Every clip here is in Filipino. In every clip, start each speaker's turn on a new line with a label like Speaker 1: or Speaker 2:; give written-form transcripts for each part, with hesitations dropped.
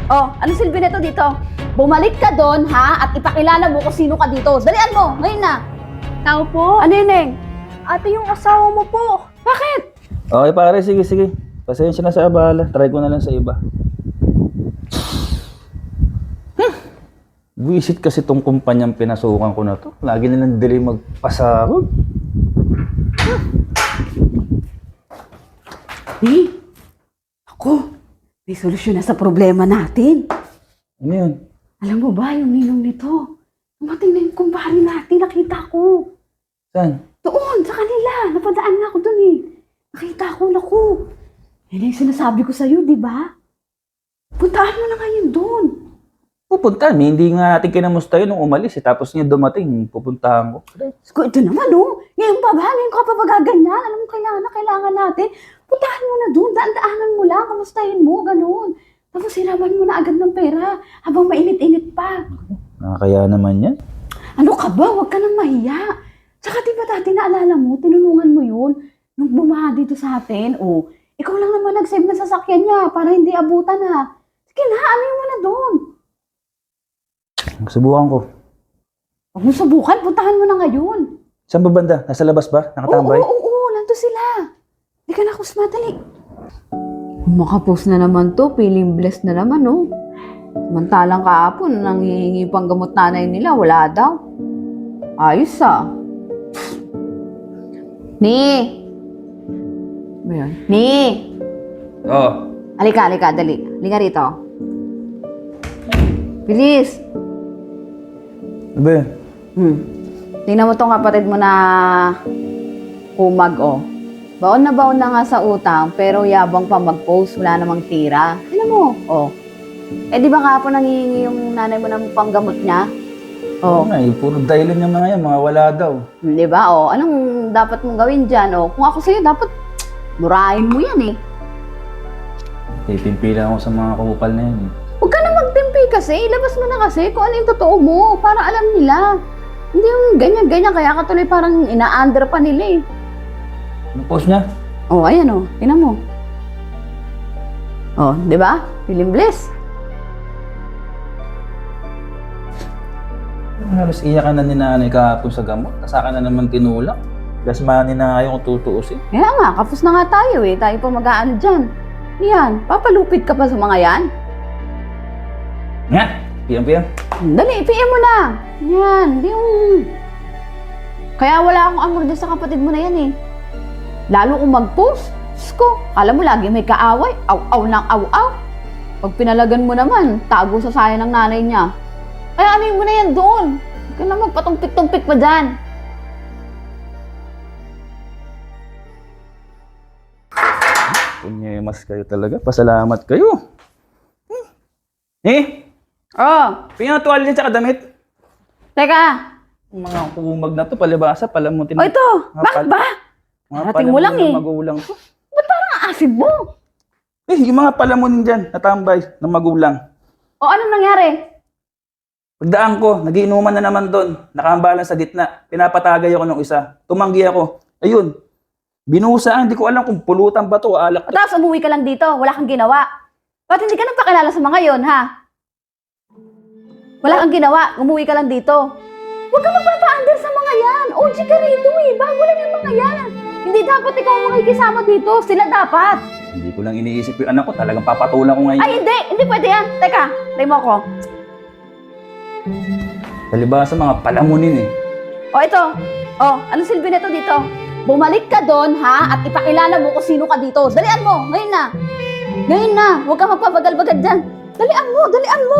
Speaker 1: Oh, ano silbi nito dito? Bumalik ka doon, ha? At ipakilala mo kung sino ka dito. Dalian mo, ngayon na.
Speaker 2: Tao po?
Speaker 1: Ano yun, Neng?
Speaker 2: Ate, yung asawa mo po.
Speaker 1: Bakit?
Speaker 3: Okay pare, sige, sige. Pasensya na sa abala. Try ko na lang sa iba. Visit kasi tong kumpanyang pinasukan ko na to. Lagi nilang delay magpasahod.
Speaker 1: Ako, may solusyon na sa problema natin.
Speaker 3: Ano yun?
Speaker 1: Alam mo ba, yung ninong nito, tumating na yung kumpare natin, nakita ko.
Speaker 3: Saan?
Speaker 1: Doon, sa kanila. Napadaan na ako doon eh. Nakita ko, naku. Yan yung sinasabi ko sa'yo, di ba? Puntahan mo na ngayon doon.
Speaker 3: Pupuntahan. Hindi nga natin kinamusta yun nung umalis. Tapos niya dumating, pupuntahan ko.
Speaker 1: Sko, ito naman oh. Ngayon pa ba? Ngayon ka pa ba gaganyan? Alam mo, kailangan natin. Puntahan mo na doon. Daan-daanan mo lang. Kamustahin mo, ganun. Tapos hiraman mo na agad ng pera habang mainit-init pa.
Speaker 3: Nakakaya naman yan.
Speaker 1: Ano ka ba? Huwag ka nang mahiya. Tsaka di ba dati naalala mo, tinulungan mo yun nung bumaha dito sa atin. Oh, ikaw lang naman nag-save ng sasakyan niya para hindi abutan ha. Sige na, ano mo na doon?
Speaker 3: Subukan ko.
Speaker 1: Huwag mo subukan, puntahan mo na ngayon.
Speaker 3: Saan ba banda? Nasa labas ba? Nakatambay?
Speaker 1: Oo, nandito sila. Hindi ka na kus madali. Makapost na naman to, feeling blessed na naman, oh. Samantalang kahapon, nanghihingi pang gamot nanay nila, wala daw. Ayos, ah. Ni! Ba yun? Ni!
Speaker 3: Oo.
Speaker 1: Halika, dali. Halika rito. Bilis!
Speaker 3: Ano ba yun?
Speaker 1: Tingnan mo tong kapatid mo na kumag, oh. Baon na nga sa utang, pero yabang pa mag-post, wala namang tira. Tingnan mo, oh. Eh, di ba kahapon nangihingi yung nanay mo ng panggamot niya?
Speaker 3: Oo nga, puro dahilan yung mga yan, mga wala daw.
Speaker 1: Di ba, oh. Anong dapat mong gawin dyan, oh? Kung ako sa'yo, dapat murahin mo yan, eh.
Speaker 3: Titimpilan ako sa mga kupal na yan.
Speaker 1: Huwag ka na magtimpi kasi. Ilabas mo na kasi kung ano yung totoo mo para alam nila. Hindi yung ganyan-ganyan. Kaya ka tuloy parang ina-under pa nila eh.
Speaker 3: Ano post niya?
Speaker 1: Oh, ayan oh. Tingnan mo. Oh, di ba? Feeling bliss.
Speaker 3: Halos iyakan na ni nanay kahapon sa gamot. Kasaka na naman tinulak. Gasmanin na nga yung tutuusin.
Speaker 1: Kaya nga, kapos na nga tayo eh. Tayo pa mag-aano dyan. Yan, papalupit ka pa sa mga yan.
Speaker 3: Nga! Piyang-piyang.
Speaker 1: Dali, PM mo na. Yan, di yung... Kaya wala akong amor dyan sa kapatid mo na yan eh. Lalo kung mag-post, Diyos ko, alam mo lagi may kaaway, aw-aw ng aw-aw. Pag pinalagan mo naman, tago sa saya ng nanay niya. Kaya ano mo na yan doon? Huwag ka na magpatumpik-tumpik pa dyan.
Speaker 3: Punyemas kayo talaga. Pasalamat kayo. Eh!
Speaker 1: Oh,
Speaker 3: Pingin ang tuwalya dyan tsaka damit.
Speaker 1: teka.
Speaker 3: Yung mga kumag na to, palibasa, palamutin.
Speaker 1: Oh, ito. Bakit ba?
Speaker 3: Mga
Speaker 1: Parating mo lang
Speaker 3: palamunin
Speaker 1: eh.
Speaker 3: ng magulang to.
Speaker 1: Ba't parang ang asid mo?
Speaker 3: Eh, yung mga palamunin dyan, natambay ng magulang.
Speaker 1: O, anong nangyari?
Speaker 3: Pagdaan ko, nagiinuman na naman doon. Nakahambalan sa gitna. Pinapatagay ako ng isa. Tumanggi ako. Ayun. Binusaan. Hindi ko alam kung pulutan ba to o alak to.
Speaker 1: Tapos umuwi ka lang dito, wala kang ginawa. Ba't hindi ka nagpakilala sa mga yon, ha? Wala kang ginawa, umuwi ka lang dito. Huwag ka magpapa-under sa mga yan. OG ka rito eh, bago lang yung mga yan. Hindi dapat ikaw ang makikisama dito, sila dapat.
Speaker 3: Hindi ko lang iniisip yung anak ko. Talagang papatulan ko ngayon.
Speaker 1: Ay, hindi pwede yan. Teka, try mo ako.
Speaker 3: Palibasa mga palamunin eh.
Speaker 1: O, ito. O, anong silbi nito dito? Bumalik ka doon, ha? At ipakilala mo kung sino ka dito. Dalian mo, ngayon na. Ngayon na, huwag ka magpapagal-bagal dyan. Dalian mo.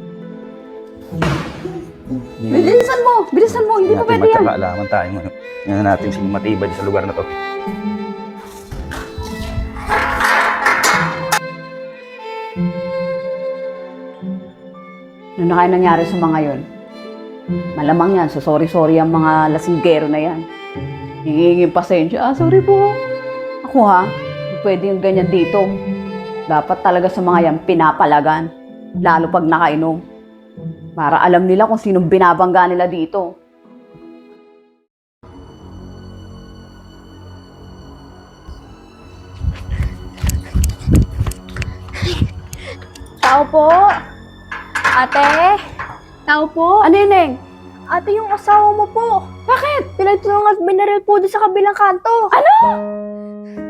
Speaker 1: Bilisan mo, hindi pa pwede yan.
Speaker 3: Alaman tayo ngayon. Yan natin sino matibay sa lugar na to.
Speaker 1: Ano na kaya nangyari sa mga yon? Malamang yan, so sorry ang mga lasinggero na yan. Hingingin pasensya, sorry po. Ako ha, hindi pwede yung ganyan dito. Dapat talaga sa mga yan pinapalagan. Lalo pag nakainom. Para alam nila kung sinong binabangga nila dito.
Speaker 2: Tao po. Ate. Tao po.
Speaker 1: Ano yun, Neng?
Speaker 2: Ate, yung asawa mo po.
Speaker 1: Bakit?
Speaker 2: Pinagtulungan at binaril po doon sa kabilang kanto.
Speaker 1: Ano?